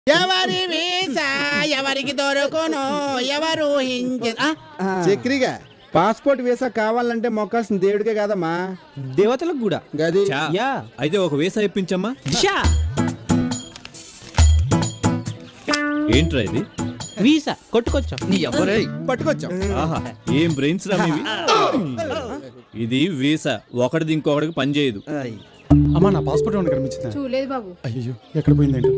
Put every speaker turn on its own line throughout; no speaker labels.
ఎవరి వీసా ఎవరికి దొరకను ఎవరు
చక్రిగా పాస్పోర్ట్ వీసా కావాలంటే మొక్కాల్సిన దేవుడికే కాదమ్మా,
దేవతలకు కూడా.
గది
యా
అయితే ఒక వీసా ఇప్పించమ్మా.
షా
ఏంట్రా ఇది?
వీసా కొట్టుకొచ్చాం. నీ ఎవరే
పట్టుకొచ్చాం.
ఆహా, ఏం బ్రెయిన్స్ రా మీవి. ఇది వీసా, ఒకటిది ఇంకొకటికి పని చేయదు.
అమ్మా నా పాస్పోర్ట్ ఏమైనా కనిపించిందా?
చూడలేదు బాబు.
అయ్యో ఎక్కడ పోయిందేంటో.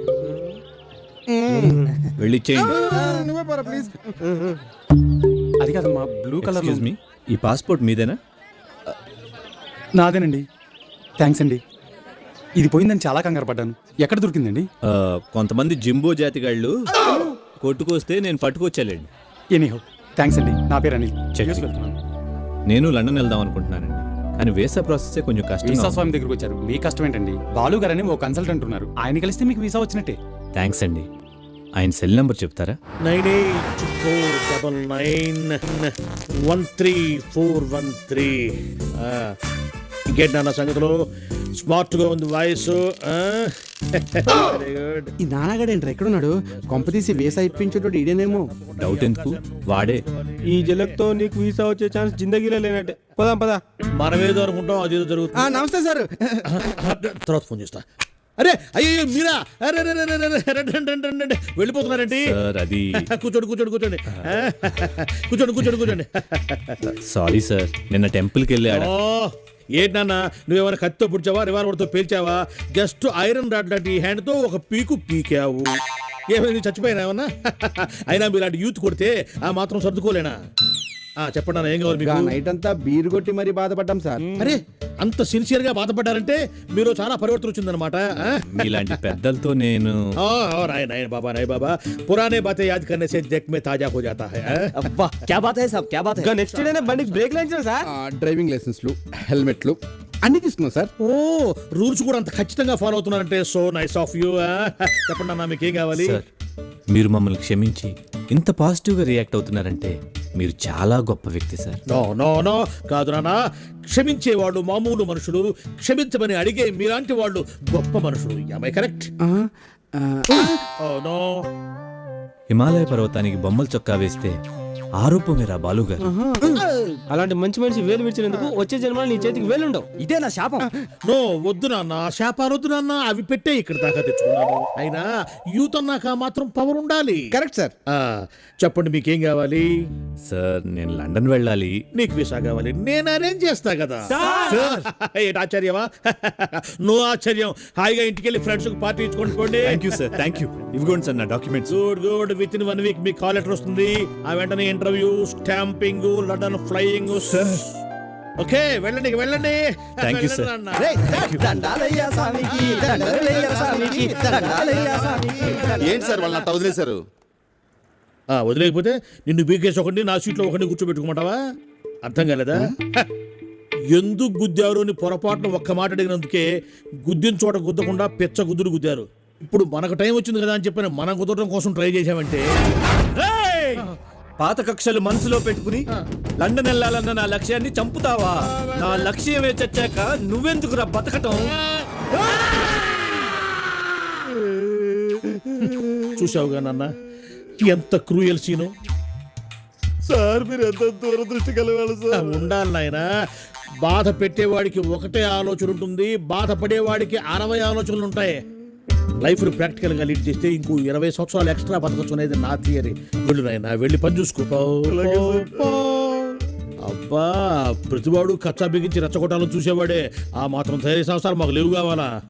వెళ్ళిచ్చేయండి.
నువ్వే పోరా ప్లీజ్.
అది కాదమ్మా, బ్లూ కలర్.
ఎక్స్క్యూజ్ మీ, ఈ పాస్పోర్ట్ మీదేనా?
నాదేనండి. థ్యాంక్స్ అండి. ఇది పోయిందని చాలా కంగారు పడ్డాను. ఎక్కడ దొరికిందండి?
కొంతమంది జింబో జాతిగాళ్ళు కొట్టుకొస్తే నేను పట్టుకొచ్చాలేండి.
ఎనీహో థ్యాంక్స్ అండి. నా పేరు అనిల్.
చెక్.
యూఎస్ వెళ్తున్నాను.
నేను లండన్ వెళ్దాం అనుకుంటున్నానండి, కానీ వీసా ప్రాసెస్ కొంచెం కష్టం.
వీసా స్వామి దగ్గరకు వచ్చారు. మీ కష్టం ఏంటండి? బాలు గారని ఓ కన్సల్టెంట్ ఉన్నారు, ఆయన కలిస్తే మీకు వీసా వచ్చినట్టే.
థ్యాంక్స్ అండి. ఆయన సెల్ నెంబర్ చెప్తారా?
9849913413. ఇంకేంటి నాన్న సంగతులు? స్మార్ట్గా ఉంది వాయిస్. Very good.
ఈ నాన్నగాడేంట్రా ఎక్కడున్నాడు? కొంపతీసి వీసా ఇప్పించేటోడు ఈడేనేమో.
డౌట్ ఎందుకు, వాడే.
ఈ జలక్తో నీకు వీసా వచ్చే ఛాన్స్ జిందగీలో లేనట్టే. పదా పదా.
మనమేదో అనుకుంటాం, అదేదో జరుగుతుంది.
నమస్తే సార్.
తర్వాత ఫోన్ చేస్తా. అరే అయ్యో మీరా? అరే వెళ్ళిపోతున్నారండి.
సార్ అది
కూర్చోండి కూర్చోండి కూర్చోండి కూర్చోండి కూర్చోండి కూర్చోండి.
సారీ సార్, నిన్న టెంపుల్కి వెళ్ళాడు.
ఏంటి నాన్న, నువ్వేమైనా కత్తితో పుడిచావా, రివాల్వర్తో పేల్చావా? జస్ట్ ఐరన్ రాడ్ లాంటి ఈ హ్యాండ్తో ఒక పీకు పీకావు. ఏమైంది, చచ్చిపోయినా ఏమన్నా? అయినా మీలాంటి యూత్ కొడితే ఆ మాత్రం సర్దుకోలేనా? చెప్పండి నాన్న, ఏం కావాలి మీకు?
నైట్ అంతా బీరు కొట్టి మరీ బాధపడ్డాం సార్.
అరే అంత సిన్సియర్ గా బాధపడ్డారంటే మీరు చాలా పరివర్తన వచ్చిందనమాట.
మీలాంటి పెద్దలతో నేను
నాయన బాబా పురానే బాతే యాద్ కర్నే సే దేఖ్ మే తాజా హో జాతా హై.
అబ్బా క్యా బాత్ హై సాబ్, క్యా బాత్ హై. నెక్స్ట్ డేనే బండికి బ్రేక్ లాంచారు సార్.
డ్రైవింగ్ లైసెన్స్లు, హెల్మెట్లు అన్ని తీసుకున్నాం సార్.
ఓ రూల్స్ కూడా అంత ఖచ్చితంగా ఫాలో అవుతున్నారంటే సో నైస్ ఆఫ్ యూ. చెప్పండి అన్న, మీకు ఏం కావాలి?
సార్, మీరు మమ్మల్ని క్షమించి ఇంత పాజిటివ్గా రియాక్ట్ అవుతున్నారంటే మీరు చాలా గొప్ప వ్యక్తి సార్.
నో నో నో కాదు నాన్న, క్షమించేవాళ్ళు మామూలు మనుషులు, క్షమించమని అడిగే మీలాంటి వాళ్ళు గొప్ప మనుషులు. Am I correct? Oh no.
Himalaya పర్వతానికి బొమ్మల చొక్కా వేస్తే ఆరోపమేరా బాలుగారు.
అలాంటి మంచి మనిషి వేలు విడిచినందుకు వచ్చే జన్మలో నీ చేతికి వేలుండవు. ఇదే నా శాపం.
నో వద్దు నాన్న, శాపాలు వద్దు నాన్న, అవి పెట్టే ఇక్కడ దాకా తెచ్చుకున్నాను. అయినా యూత్ అన్నాక మాత్రం పవర్ ఉండాలి.
Correct sir.
చెప్పండి మీకేం కావాలి?
సార్, నేను లండన్ వెళ్ళాలి.
నీకు వీసా కావాలి, నేను అరేంజ్ చేస్తా కదా. ఏంటి ఆశ్చర్యమా? నో ఆశ్చర్యం. హాయిగా ఇంటికి వెళ్ళి ఫ్రెండ్స్ పార్టీ ఇచ్చుకోండి పోండి.
Thank you sir, thank you. ఇవ్వండి సార్ నా documents.
Good good. Within 1 week మీకు కాల్ లెటర్ వస్తుంది. ఆ వెంటనే interview, stamping, London flying. Okay వెళ్ళండి వెళ్ళండి.
Thank you sir.
ఏంటి సార్ వాళ్ళు అట్ట వదిలేశారు?
వదిలేకపోతే నిన్ను బీకేసి ఒకటి, నా సీట్లో ఒకటి కూర్చోబెట్టుకోమంటావా? అర్థం కాలేదా? ఎందుకు గుద్దారు అని పొరపాటున ఒక్క మాట అడిగినందుకే గుద్దిన చోట గుద్దకుండా పెచ్చ గుద్దులు గుద్దారు. ఇప్పుడు మనకు టైం వచ్చింది కదా అని చెప్పి మనం కుదరడం కోసం ట్రై చేశామంటే
పాత కక్షలు మనసులో పెట్టుకుని లండన్ వెళ్ళాలన్న నా లక్ష్యాన్ని చంపుతావా? నా లక్ష్యమే చచ్చాక నువ్వెందుకురా బతకటం?
చూసావుగా నాన్న, ఎంత క్రూయల్ సీను.
సార్ మీరు ఎంత దూరదృష్టి కలగాలి సార్.
ఉండాలి నాయనా. బాధ పెట్టేవాడికి ఒకటే ఆలోచన ఉంటుంది, బాధపడేవాడికి 60 ఆలోచనలు ఉంటాయి. లైఫ్ ప్రాక్టికల్ గా లీడ్ చేస్తే ఇంకో 20 సంవత్సరాలు ఎక్స్ట్రా బతకొచ్చు అనేది నా థియరీ. వెళ్ళు నాయనా, వెళ్ళి పని చూసుకో. అబ్బా, ప్రతివాడు కచ్చా బిగించి రెచ్చగొట్టాలని చూసేవాడే. ఆ మాత్రం ధైర్య సంవత్సరాలు మాకు లేవు కావాలా?